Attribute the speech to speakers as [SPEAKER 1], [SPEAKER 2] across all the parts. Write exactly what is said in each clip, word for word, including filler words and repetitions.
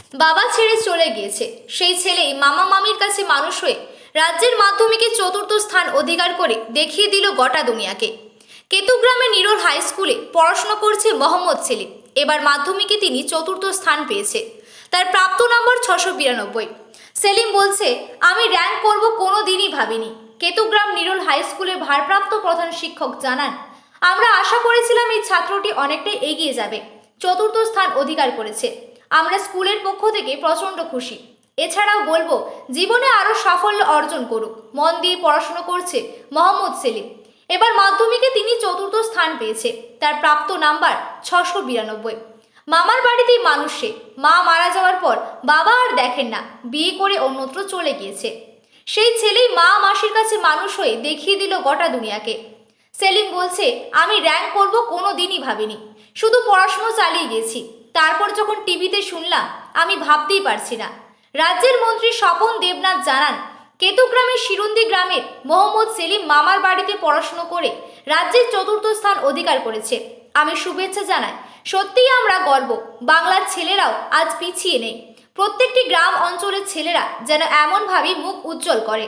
[SPEAKER 1] বাবা ছেড়ে চলে গিয়েছে, সেই ছেলেই মামা মামির কাছে মানুষ হয়ে রাজ্যের মাধ্যমিকে চতুর্থ স্থান অধিকার করে দেখিয়ে দিল গোটা দুনিয়াকে। কেতুগ্রামে নিরোল হাই স্কুলে পড়াশোনা করছে মোহাম্মদ সেলিম। এবার মাধ্যমিকে তিনি চতুর্থ স্থান পেয়েছে। তার প্রাপ্ত নম্বর ছশো বিরানব্বই। সেলিম বলছে, আমি র্যাঙ্ক করব কোনো দিনই ভাবিনি। কেতুগ্রাম নিরোল হাই স্কুলে ভারপ্রাপ্ত প্রধান শিক্ষক জানান, আমরা আশা করেছিলাম এই ছাত্রটি অনেকটাই এগিয়ে যাবে, চতুর্থ স্থান অধিকার করেছে। আমরা স্কুলের পক্ষ থেকে প্রচণ্ড খুশি। এছাড়াও বলবো, জীবনে আরও সাফল্য অর্জন করুক। মন দিয়ে পড়াশোনা করছে মোহাম্মদ সেলিম। এবার মাধ্যমিকে তিনি চতুর্থ স্থান পেয়েছে। তার প্রাপ্ত নাম্বার ছশো বিরানব্বই। মামার বাড়িতেই মানুষ সে। মা মারা যাওয়ার পর বাবা আর দেখেন না, বিয়ে করে অন্যত্র চলে গিয়েছে। সেই ছেলেই মা মাসির কাছে মানুষ হয়ে দেখিয়ে দিল গোটা দুনিয়াকে। সেলিম বলছে, আমি র্যাঙ্ক করব কোনো দিনই ভাবিনি, শুধু পড়াশুনো চালিয়ে গেছি। তারপর যখন টিভিতে শুনলাম, আমি ভাবতেই পারছি না। রাজ্যের মন্ত্রী স্বপন দেবনাথ জানান, কেতুগ্রামের শিরুন্দি গ্রামের মোহাম্মদ সেলিম মামার বাড়িতে পড়াশুনো করে রাজ্যের চতুর্থ স্থান অধিকার করেছে। আমি শুভেচ্ছা জানাই। সত্যিই আমরা গর্ব। বাংলার ছেলেরাও আজ পিছিয়ে নেই। প্রত্যেকটি গ্রাম অঞ্চলের ছেলেরা যেন এমনভাবেই মুখ উজ্জ্বল করে।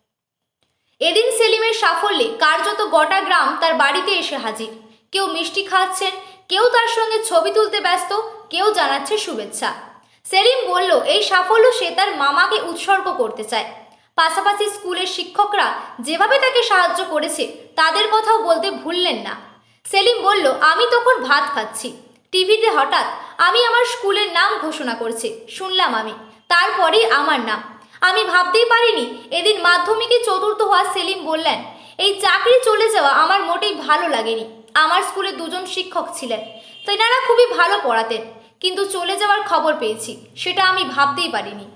[SPEAKER 1] এদিন সেলিমের সাফল্যে কার্যত গোটা গ্রাম তার বাড়িতে এসে হাজির। কেউ মিষ্টি খাচ্ছেন, কেউ তার সঙ্গে ছবি তুলতে ব্যস্ত, কেউ জানাচ্ছে শুভেচ্ছা। সেলিম বলল, এই সাফল্য সে তার মামাকে উৎসর্গ করতে চায়। পাশাপাশি স্কুলের শিক্ষকরা যেভাবে তাকে সাহায্য করেছে তাদের কথাও বলতে ভুললেন না। সেলিম বলল, আমি তখন ভাত খাচ্ছি, টিভিতে হঠাৎ আমি আমার স্কুলের নাম ঘোষণা করছে শুনলাম আমি, তারপরেই আমার নাম। আমি ভাবতেই পারিনি এদিন মাধ্যমিকে চতুর্থ হওয়া। সেলিম বললেন, এই চাকরি চলে যাওয়া আমার মোটেই ভালো লাগেনি। আমার স্কুলে দুজন শিক্ষক ছিলেন, তেনারা খুবই ভালো পড়াতেন, কিন্তু চলে যাওয়ার খবর পেয়েছি, সেটা আমি ভাবতেই পারিনি।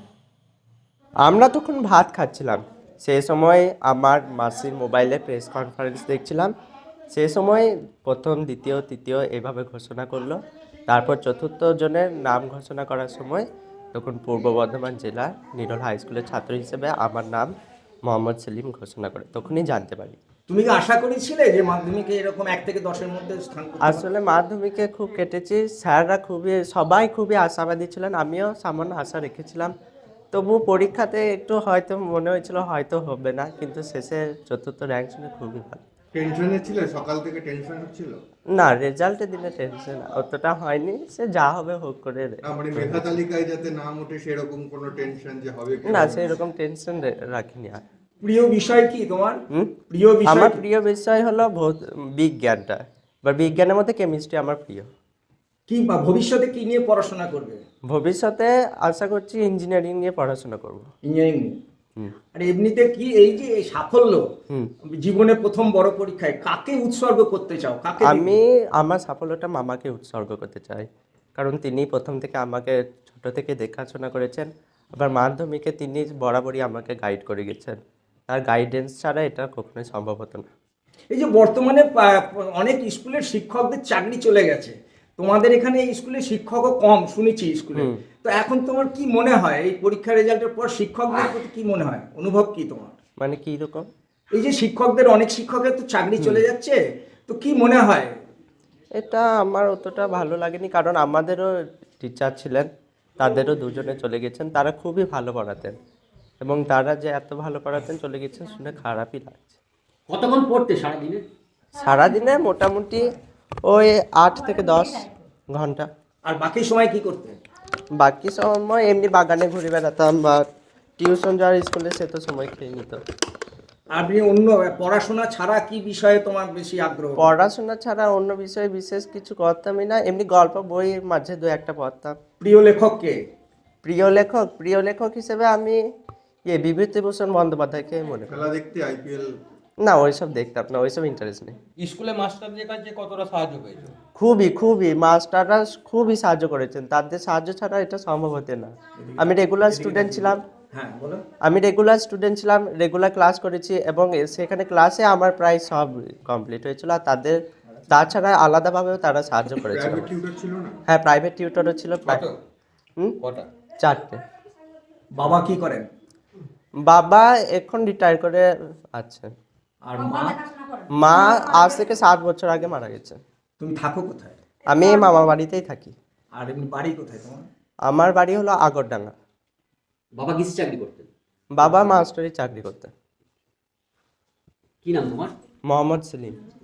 [SPEAKER 2] আমরা তখন ভাত খাচ্ছিলাম, সেই সময় আমার মাসির মোবাইলে প্রেস কনফারেন্স দেখছিলাম। সেই সময় প্রথম, দ্বিতীয়, তৃতীয় এভাবে ঘোষণা করলো। তারপর চতুর্থ জনের নাম ঘোষণা করার সময় তখন পূর্ব বর্ধমান জেলার নিরোল হাই স্কুলের ছাত্র হিসেবে আমার নাম মোহাম্মদ সেলিম ঘোষণা করে, তখনই জানতে পারি।
[SPEAKER 3] তুমি কি আশা করেছিলে যে মাধ্যমিকে এরকম এক থেকে দশের মধ্যে স্থান করতে পারবে?
[SPEAKER 2] আসলে মাধ্যমিকে খুব কেটেছি, স্যাররা খুবই, সবাই খুবই আশাবাদী ছিলেন, আমিও সামান্য আশা রেখেছিলাম। তবু পরীক্ষাতে একটু হয়তো মনে হয়েছিল হয়তো হবে না, কিন্তু শেষে চতুর্থ র্যাঙ্ক শুনে খুবই ভালো।
[SPEAKER 4] টেনশনে ছিল? সকাল থেকে টেনশন হচ্ছিল?
[SPEAKER 2] না, রেজাল্টের দিনে টেনশন অতটা হয়নি, সে যা হবে হোক করে।
[SPEAKER 4] না মানে মেধা তালিকায় যাতে নাম ওঠে সেরকম কোনো টেনশন যে হবে কি
[SPEAKER 2] না,
[SPEAKER 4] হবে
[SPEAKER 2] সেই রকম টেনশন রাখিনি আর।
[SPEAKER 3] প্রিয় বিষয় কি তোমার?
[SPEAKER 2] হুম
[SPEAKER 3] প্রিয় বিষয়
[SPEAKER 2] আমার
[SPEAKER 3] কি?
[SPEAKER 2] প্রিয় বিষয় হলো ভৌত বিজ্ঞানটা, বা বিজ্ঞানের মধ্যে কেমিস্ট্রি আমার প্রিয়।
[SPEAKER 3] কি বা ভবিষ্যতে কি নিয়ে পড়াশোনা করবে?
[SPEAKER 2] ভবিষ্যতে আশা করছি ইঞ্জিনিয়ারিং নিয়ে পড়াশোনা করব।
[SPEAKER 3] ইঞ্জিনিয়ারিং নিয়ে।
[SPEAKER 2] হুম
[SPEAKER 3] আর এমনিতে কি এই যে এই সাফল্য,
[SPEAKER 2] হুম
[SPEAKER 3] জীবনে প্রথম বড় পরীক্ষায় কাকে উৎসর্গ করতে চাও? কাকে দিবে?
[SPEAKER 2] আমি আমার সাফল্যটা মামাকে উৎসর্গ করতে চাই, কারণ তিনি প্রথম থেকে আমাকে ছোট থেকে দেখাশোনা করেছেন। আবার মাধ্যমিকে তিনি বরাবরই আমাকে গাইড করে গেছেন, তার গাইডেন্স ছাড়া এটা কখনোই সম্ভব হতো না।
[SPEAKER 3] এই যে বর্তমানে পা- অনেক স্কুলের শিক্ষকদের চাকরি চলে গেছে, তোমাদের এখানে এই স্কুলে শিক্ষকও কম শুনেছি স্কুলে।
[SPEAKER 2] হুম।
[SPEAKER 3] তো এখন তোমার কি মনে হয় এই পরীক্ষা রেজাল্টের পর শিক্ষকদের প্রতি কি মনে হয়, অনুভব কি তোমার?
[SPEAKER 2] মানে কি রকম?
[SPEAKER 3] এই যে শিক্ষকদের, অনেক শিক্ষকের তো চাকরি চলে যাচ্ছে, তো কি মনে হয়?
[SPEAKER 2] এটা আমার অতটা ভালো লাগেনি, কারণ আমাদেরও টিচার ছিলেন, তাদেরও দুজনে চলে গেছেন, তারা খুবই ভালো পড়াতেন, এবং তারা যে এত ভালো পড়াতেন চলে গেছেন শুনে খারাপই লাগছে।
[SPEAKER 3] কতক্ষণ পড়তে সারাদিনে?
[SPEAKER 2] সারাদিনে মোটামুটি ওই আট থেকে দশ ঘন্টা।
[SPEAKER 3] আর বাকি সময় কি করতে?
[SPEAKER 2] বাকি সময় এমনি বাগানে ঘুরে বেড়াতাম, বা টিউশন যাওয়ার স্কুলে সে তো সময় খেয়ে নিত।
[SPEAKER 3] আপনি অন্য পড়াশোনা ছাড়া কি বিষয়ে তোমার বেশি আগ্রহ?
[SPEAKER 2] পড়াশোনা ছাড়া অন্য বিষয়ে বিশেষ কিছু করতামই না, এমনি গল্প বই মাঝে দু একটা পড়তাম।
[SPEAKER 3] প্রিয় লেখক কে?
[SPEAKER 2] প্রিয় লেখক প্রিয় লেখক হিসেবে আমি ইয়ে বিভূতিভূষণ বন্দ্যোপাধ্যায়কে মনে করি।
[SPEAKER 4] খেলা দেখতে আইপিএল?
[SPEAKER 2] না, ওইসব দেখতাম না, ওইসব ইন্টারেস্ট নেই।
[SPEAKER 5] স্কুলে মাস্টারদের কাছে কতটা সাহায্য পেয়েছো?
[SPEAKER 2] খুবই খুবই মাস্টাররা খুবই সাহায্য করেছেন, তাদের সাহায্য ছাড়া এটা সম্ভব হতো না। আমি রেগুলার স্টুডেন্ট ছিলাম
[SPEAKER 3] হ্যাঁ বলো।
[SPEAKER 2] আমি রেগুলার স্টুডেন্ট ছিলাম রেগুলার ক্লাস করেছি, এবং সেখানে ক্লাসে আমার প্রায় সব কমপ্লিট হয়েছিল। আর তাদের তাছাড়া আলাদাভাবেও তারা সাহায্য করেছিল।
[SPEAKER 4] প্রাইভেট টিউটর ছিল না?
[SPEAKER 2] হ্যাঁ, প্রাইভেট টিউটরও ছিল প্রায়।
[SPEAKER 5] কত?
[SPEAKER 2] হুম
[SPEAKER 5] কটা?
[SPEAKER 2] চারটে।
[SPEAKER 3] বাবা কি করেন?
[SPEAKER 2] বাবা এখন রিটায়ার করে আছেন।
[SPEAKER 3] আর মা?
[SPEAKER 2] মা আজ থেকে সাত বছর আগে মারা গেছে।
[SPEAKER 3] তুমি থাকো কোথায়?
[SPEAKER 2] আমি মামা বাড়িতেই থাকি।
[SPEAKER 3] আর এমনি বাড়ি কোথায় তোমার?
[SPEAKER 2] আমার বাড়ি হলো আগরডাঙ্গা।
[SPEAKER 6] বাবা কিসে চাকরি করতেন?
[SPEAKER 2] বাবা মাস্টারি চাকরি করতেন।
[SPEAKER 6] কি নাম তোমার?
[SPEAKER 2] মোহাম্মদ সেলিম।